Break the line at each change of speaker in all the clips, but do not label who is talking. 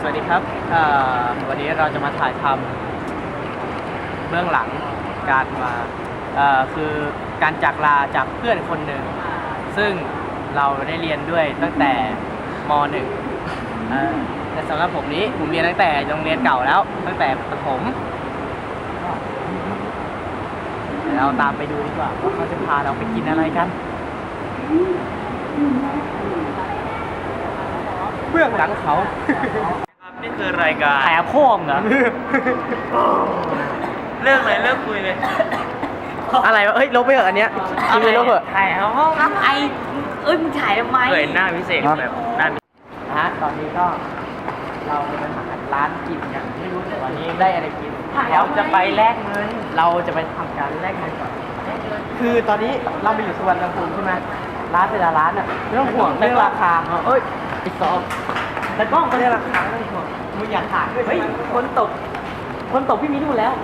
สวัสดีครับวันนี้เราจะมาถ่ายทำเบื้องหลังการมาคือการจากลาจากเพื่อนคนหนึ่งซึ่งเราได้เรียนด้วยตั้งแต่ม .1 แต่สำหรับผมนี้ผมเรียนตั้งแต่โรงเรียนเก่าแล้วตั้งแต่ประถมเดี๋ยวเราตามไปดูดีกว่าว่าเขาจะพาเราไปกินอะไรกันเบื้องหลังเขา
นี่คือรายการ
แผลโค้งเหรอ
เรื่องเลยเรื่องคุยเลย
อะไรวะเฮ้ยลบไปเถอะอันเนี้ยคิดไปลบเถอะ
ถ่ายเอาห้อง
ทำไมมึงถ่ายทำไม
เคยหน้าพิเศษแบบหน้า
นะฮะตอนนี้ก็เราจะไปหาร้านกินกันไม่รู้ตอนนี้ได้อะไรกินเราจะไปแลกเงินเราจะไปทำการแลกเงินก่อนคือตอนนี้เราไปอยู่สุวรรณภูมิใช่ไหมร้านแต่ละร้านอ่ะไม่ต้องห่วงเรื่องราคาเอ้ยไอ้ซอมแต่กล้องก็เรื่องราคาไม่ต้องห่วงมึงอยากถ่ายเฮ้ยคนตกพี่มีดูแล้ว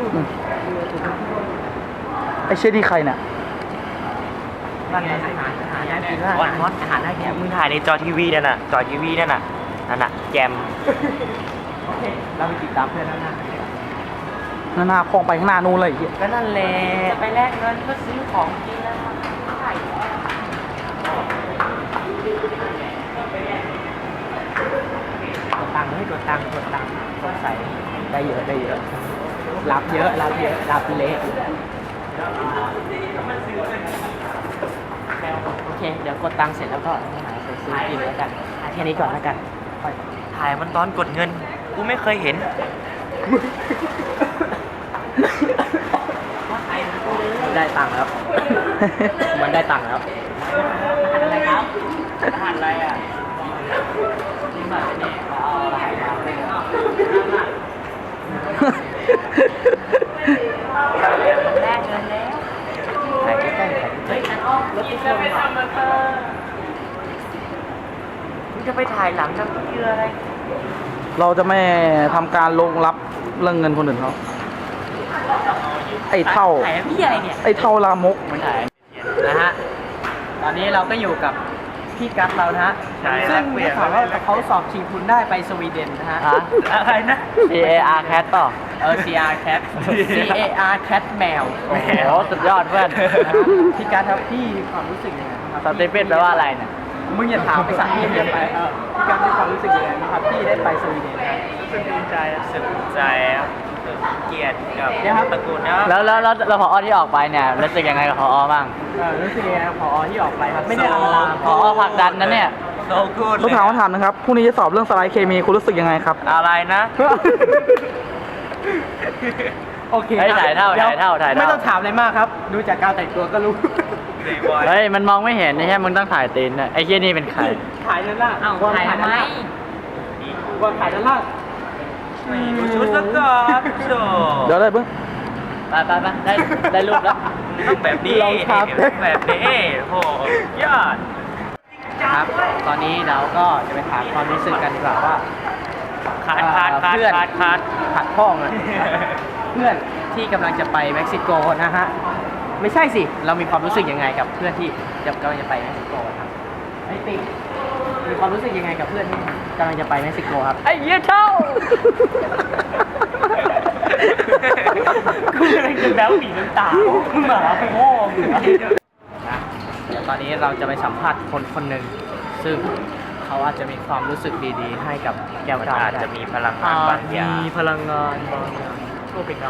ไอ้เชี่ยที่ใครน่ะ
นั่นไงอาหารน่ากินมากอาหารน่ากิน
มึงถ่ายในจอทีวีนั่นน่ะจอทีวีนั่นน่ะแจม
โอเคเราไปติดตามเพื่อนแล้วนะ
หน้าคลองไปข้างหน้านู่นเลยไอ้เหี้ย
ก็นั่นแหละ
จะไปแลกเงินเพื่อซื้อของกินแล้วถ่าย
กดตังค์ให้กดตังค์สงสัยได้เยอะรับเยอะรับเละโอเคเดี๋ยวกดตังค์เสร็จแล้วก็หาซื้อกินแล้วกันแค่นี้ก่อนแล้วกัน
ถ่ายมันตอนกดเงินกูไม่เคยเห็น
ได้ตังค์แล้ว มันได้ตังค์แล้วอะไรครับอาหารอะไรอ่ะนี่มาเนี่ยเอาอะไรมา
แลกเงินแล้ว
ถ่ายใกล้ๆ
เฮ้ยนั่นอ้อมรถที่ชนมามึงจะไปถ่ายหลังน้ำเกลืออะไร
เราจะไม่ทำการลงรับเรื่องเงินคนอื่นเขาไอ้เท่า
ถ่ายพี่อะไรเนี่ย
ไอ้เท่าลามก
มันถ่ายนะฮะ ตอนนี้เราก็อยู่กับพี่กัสเรานะฮะ
ใช่
ซึ่งได้ข่าวว่าเขาสอบชิงทุนได้ไปสวีเดนนะฮะ
อะไรนะ
CAR Cat ต่อ
CR Cat CAR Cat แมว
โอ้โหสุดยอดเพื่อน
นะฮะพี่กัสครับพี่มีความรู้สึกยังไงบ้างครับ
สเตเปนแปลว่าอะไรเนี่ย
มึงอย่าถามไปสั่งพี่เรียนไปพี่กัสมีความรู้สึกยังไงบ้างครับพี่ได้ไปสวีเดนครับ
รู้สึกดีใจรู้สึกใจครับรู้สึกเกียรติกับ
เดี๋ยวครับ
ตระกูลนะ
แล้วพอที่ออกไปเนี่ยรู้สึกยังไงกับพอบ้าง
รู้สึกยังไงครับผอที่ออกไปครับไม่ได้ลำลา
พอผลักดันนะเนี่ย
โซกูด
ต้องถามคำถามนะครับพรุ่งนี้จะสอบเรื่องสไลด์เคมีคุณรู้สึกยังไงครับ
อะไรนะ
โอเค
เฮ้ยถ่ายเท่า
ดี๋ว
ถ่ายเท่า
ไม่ต้องถามอะไรมากครับ ดูจากการแต่งตัวก็รู้
เฮ้ยมันมองไม่เห็นนี่แค่มึงต้องถ่ายตีนนะไอ้เหี้ยนี่เป็นใคร
ถ่ายด้านล่าง
เอ้าถ่ายทำไม
วางถ่ายด้านล่าง
ดูชุดซะก่อนโช
เดี๋ยวเลยเพิ่ง
ไปได้รูปแล้ว
ต้องแบบนี้
ลองครับ
แบบนี้โหยอด
ครับ ตอนนี้เราก็จะไปถามความรู้สึกกันดีกว่าว่า
ขาด
เพื่อน ขัดพ่องอะเพื่อนที่กำลังจะไปเม็กซิโกนะฮะ ไม่ใช่สิ เรามีความรู้สึกยังไงกับเพื่อนที่กำลังจะไปเม็กซิโกครับไอ้ติ๊กมีความรู้สึกยังไงกับเพื่อนที่กำลังจะไปเม็กซิโกครับ
ไอ้เหี้ยเท่า
กูกำลังจะแบ๊วปีน้ำตามึงหมาไปโง่มึงนะเดี๋ยวตอนนี้เราจะไปสัมภาษณ์คนหนึ่งซึ่งเขาอาจจะมีความรู้สึกดีๆ ให้กับแก้วตา
อาจจะมีพลังงานบางอย่าง
มีพลังงานบางอย่างก็เป็นได้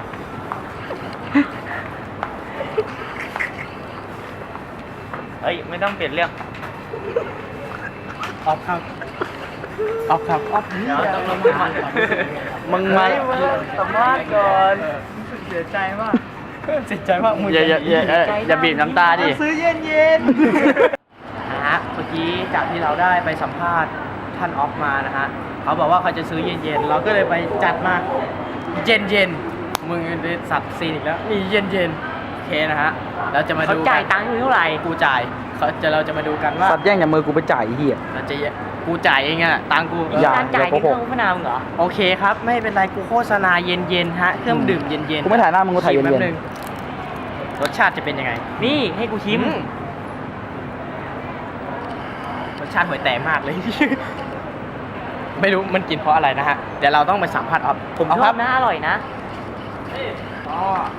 เอ้ยไม่ต้องเปลี่ยนเรื่อง
ออฟครับออฟครับออฟนี่
เดี๋ยวต้องลงมา
มึงมา
สัมภาษณ์ก่อน
เสียใจมากเสียใจมากมึง
อย่าบีบน้ำตาดิ
ซื้อเย็นๆนะฮะเมื่อกี้จากที่เราได้ไปสัมภาษณ์ท่านออฟมานะฮะเขาบอกว่าเขาจะซื้อเย็นๆเราก็เลยไปจัดมาเย็นๆมึงได้สัตว์ซีนอีกแล้วมีเย็นๆโอเคนะฮะเราจะมา
เขา
ดู
จ่ายตังค์เท่าไหร่
กูจ่ายเราจะมาดูกันว่า
สัตว์แย่งจากมือกูไปจ่ายไอ้เหี้ย
เราจะกูจ่ายเองอะตังค์กู
อย่า
การจ่ายที่เครื่องพนามเหรอ
โอเคครับ ไม่เป็นไรกูโฆษณาเย็นๆฮะเครื่องดื่มเย็นๆ
กูไม่ถ่ายหน้ามึงกูถ่ายเย็นๆ
ชิมแป๊บนึงรสชาติจะเป็นยังไง
นี่ให้กูชิม
รสชาติห่วยแตกมากเลย
ร
ไม่รู้มันกินเพราะอะไรนะฮะ เดี๋ยวเราต้องไปสัมผัสเอาผม
ช
ค
อ
รั
บบ นะอร่อยนะ
ก็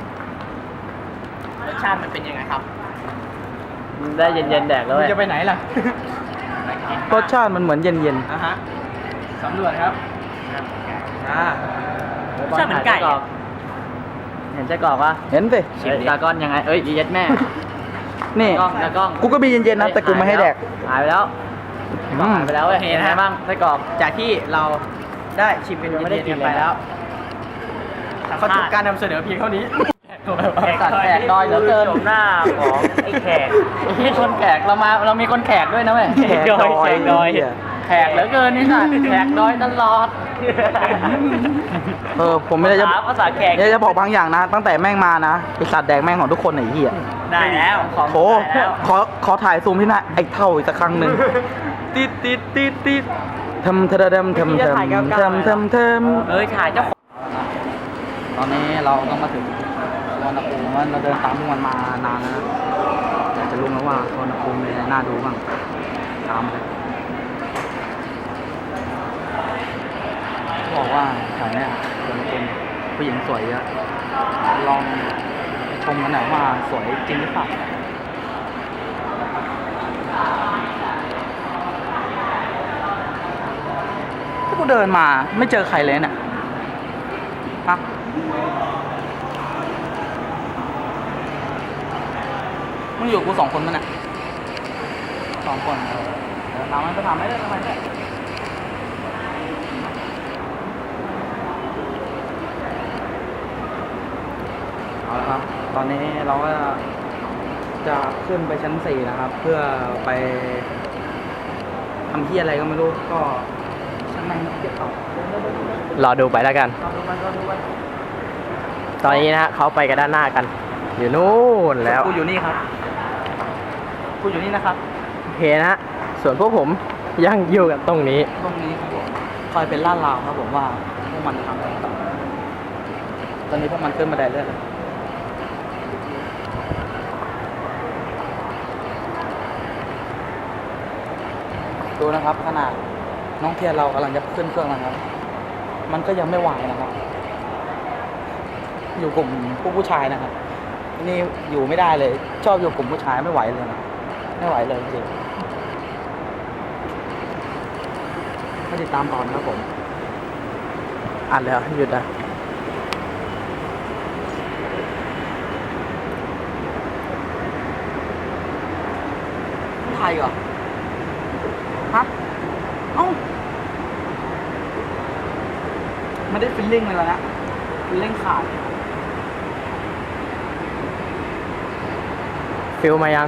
รสชาติมันเป็นยังไงครับ
ได้เย็นๆแดกแล้ว
คุณ
เว้ย
จะไปไหนล่ะ
รสชาติมันเหมือนเย็น
อ่ะฮะสำรวจครับอ่าร
สชาติเหมือนไก่อะเห็นไส้กรอกปะ
ๆ เห็นสิ
เอ้ยตากล้อนยังไง เอ้ยเย็ดแม่
นี่
ตากล้อง
กูก็มีเย็นๆนะแต่กูไม่ให้แดก
หายไปแล้ว
อืม
หายไปแล้วเว้ย
โอเค
เห็น
นะ
ไง
ฮะ
บ้างไส้กรอก
จากที่เราได้ชิมเป็น
ยังไม่ได้
เย็น
กิน
ๆกันไป
เลยนะ
แล้วเขาจบการนำเสนอเพียงเท่านี้
สัตว์แขกดอยเหลือเกินหน้าของไอ้แขกมีคนแขกเรามีคนแขกด้วยนะเว้ย
แขกดอย
แขกเหลือเกินนี่สัตว์แขกดอยตลอด
ผมไม่ได้จะ
ภาษาแขก
เนี่ยจะบอกบางอย่างนะ ตั้งแต่แม่งมานะไอสัตว์แดกแม่งของทุกคนไอ้เหี้ย
ได้แล้วของ
โถ
ได้แล้ว
ขอถ่ายซูมที่หน้าไอ้เท่าอีกสักครั้งหนึ่งติดทำทะดำทำ
เอ้ยถ่ายเจ้าของ
ตอนนี้เราก็มาถึงสวนภูมิเราเดินตามพวกมันมานานแล้วนะอยากจะรู้แล้วว่าสวนภูมิมีอะไรน่าดูบ้างตามเลยบอกว่าแถวเนี้ยสวนภูมิผู้หญิงสวยเยอะลองไปชมกันหน่อยว่าสวยจริงหรือเปล่าถ้ากูเดินมาไม่เจอใครเลยเนี่ยฮะมึงอยู่กับกู2 คนมั้ยเนี่ย2 คนเดี๋ยวถามมันจะถามไม่ได้ทำไมเนี่ยเอาละครับ ตอนนี้เราก็จะขึ้นไปชั้น4นะครับ เพื่อไปทำที่อะไรก็ไม่รู้ ก็ชั้นในเก็บเอา
รอดูไปแล้วกัน
รอดูไป
ตอนนี้นะฮะเขาไปกันด้านหน้ากัน อยู่นู่นแล้ว
กูอยู่นี่ครับ กูอยู่นี่นะครับ
โอเคนะฮะ ส่วนพวกผมยังอยู่กันตรงนี้
ตรงนี้ครับผมคอยเป็นล่าดราวครับผมว่าพวกมันทำอะไรต่อตอนนี้พวกมันขึ้นมาได้เรื่อยดูนะครับขนาดน้องเทียนเรากำลังจะขึ้นเครื่องนะครับ มันก็ยังไม่ไหวนะครับ อยู่กลุ่มผู้ชายนะครับ นี่อยู่ไม่ได้เลย ชอบอยู่กลุ่มผู้ชายไม่ไหวเลยนะไม่ไหวเลยจริงมาติดตามตอนครับผม
อ่านแล้วหยุดอ่ะ
ไทยเหรอ ฮะ เอ้า ไม่ได้ฟิลลิ่งเลยแล้วนะฟิลลิ่งขาด
ฟิลมายัง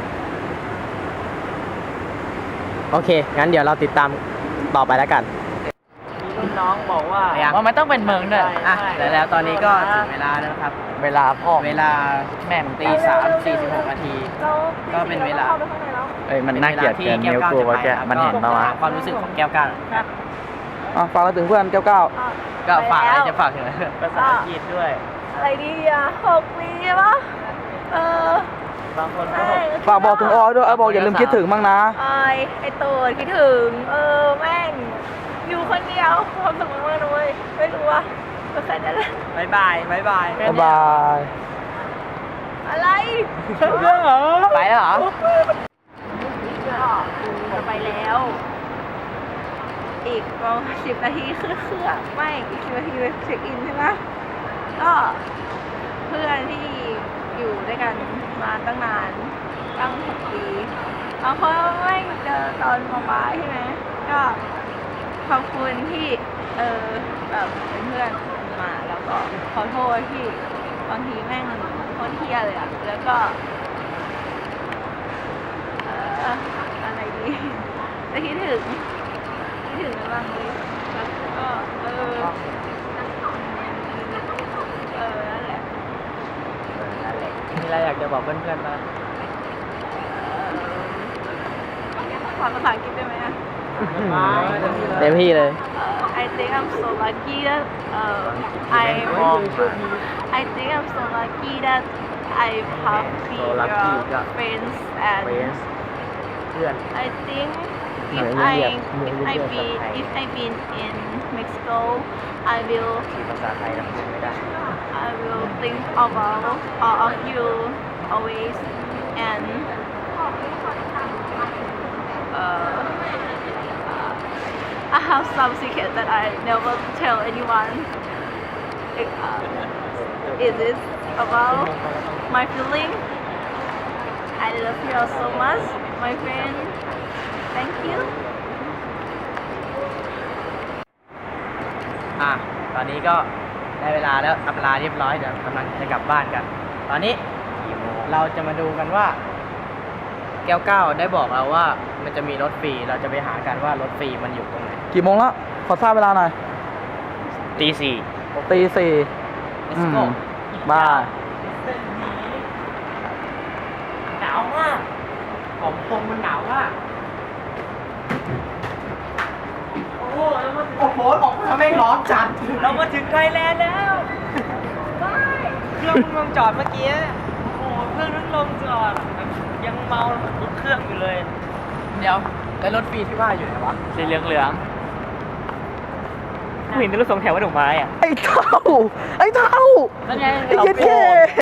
โอเค งั้นเดี๋ยวเราติดตามต่อไปแล้วกัน
รุ่นน้องบอกว่า
ยัง
ว่ามันต้องเป็นเมืองด้วย
อ่ะแล้วตอนนี้ก็ถึงเวลาแล้วครับ
เวลาพ่อ
เวลาแม่ตี3:46 นาที ก็เป็นเวลา
เอ้ยมันน่าเกลียดเกินนิ้วกูว่าแกมันเห็นปะวะ
ความรู้สึกของแก้วก้าว
ฝากเราถึงเพื่อน9
ก็ฝากอะไรจะฝากถึง
ภาษาอังกฤษด้วย
อะไรดีอ่ะ6 ปีใช่ปะเ
บางคนก็
ฝากบอกถึงออยด้วยบอกอย่าลืมคิดถึงบ้างนะ
ไอตูดคิดถึง แม่ง อยู่คนเดียวความสุขมากๆนะเว้ยไม่รู้ว่าก็แค่นั้นแหละ
บายบาย
บ๊ายบาย
อะไร
ไปแล้วเหรอ
ก็จะไปแล้ว อีกประมาณ10 นาทีคือเครื่องไม่อีก10 นาทีไปเช็คอินใช่ไหมก็เพื่อนที่อยู่ด้วยกันมาตั้งนานตั้ง6 ปีบางคนไม่เจอตอนม.ปลายใช่ไหมก็ขอบคุณที่แบบเป็นเพื่อนมาแล้วก็ขอโทษที่บางทีแม่งโคตรเที่ยเลยอะแล้วก็อะไรดีจะคิดถึงนะบางทีแล้วก็นั่นแหละ
มีอะไรอยากจะบอกเพื่อนๆบ้าง
ขอภาษาอังกฤษได้ไหมอะ
เต็มที่เลย
I think I'm so lucky that I think I'm so lucky that I have
So lucky
your
ก็
friends and
เพื่อน
I think if I been in Mexico, I will
ภาษาไทยนะพูดไม่ได้
I will think about all of you always and I have some secret that I never tell anyone. It is about my feeling. I love you all so much, my friend. Thank you.
ตอนนี้ก็ได้เวลาแล้วอำลาเรียบร้อยเดี๋ยวกำลังจะกลับบ้านกัน ตอนนี้เราจะมาดูกันว่า แก้วเก้าได้บอกเราว่ามันจะมีรถฟรีเราจะไปหากันว่ารถฟรีมันอยู่ตรงไหน
กี่โมงแล้ว ขอทราบเวลาหน่อย
ตีสี่
ตีสี่
Let's go
บ้าย
หนาวมากผมตรงมันหนาวมากโอ้โหของทำไมร้อนจัด
เรามาถึงไทยแลนด์แล้ว เครื่องเพิ่งลงจอดเมื่อกี้ โอ้โหเครื่องเพิ่งลงจอดแบบยังเมาทุกเครื่องอยู่เลย
เดี๋ยวแล้วรถฟรีที่ว่าอยู่ไหนวะ
สีเหลืองเหลืองผู้หญิงเป็นรถสองแถวว่าดอกไม้อ่ะ
ไอ้เท่า ไอ้เท่า
นั่นไง
ไอ้เหี้ยเท่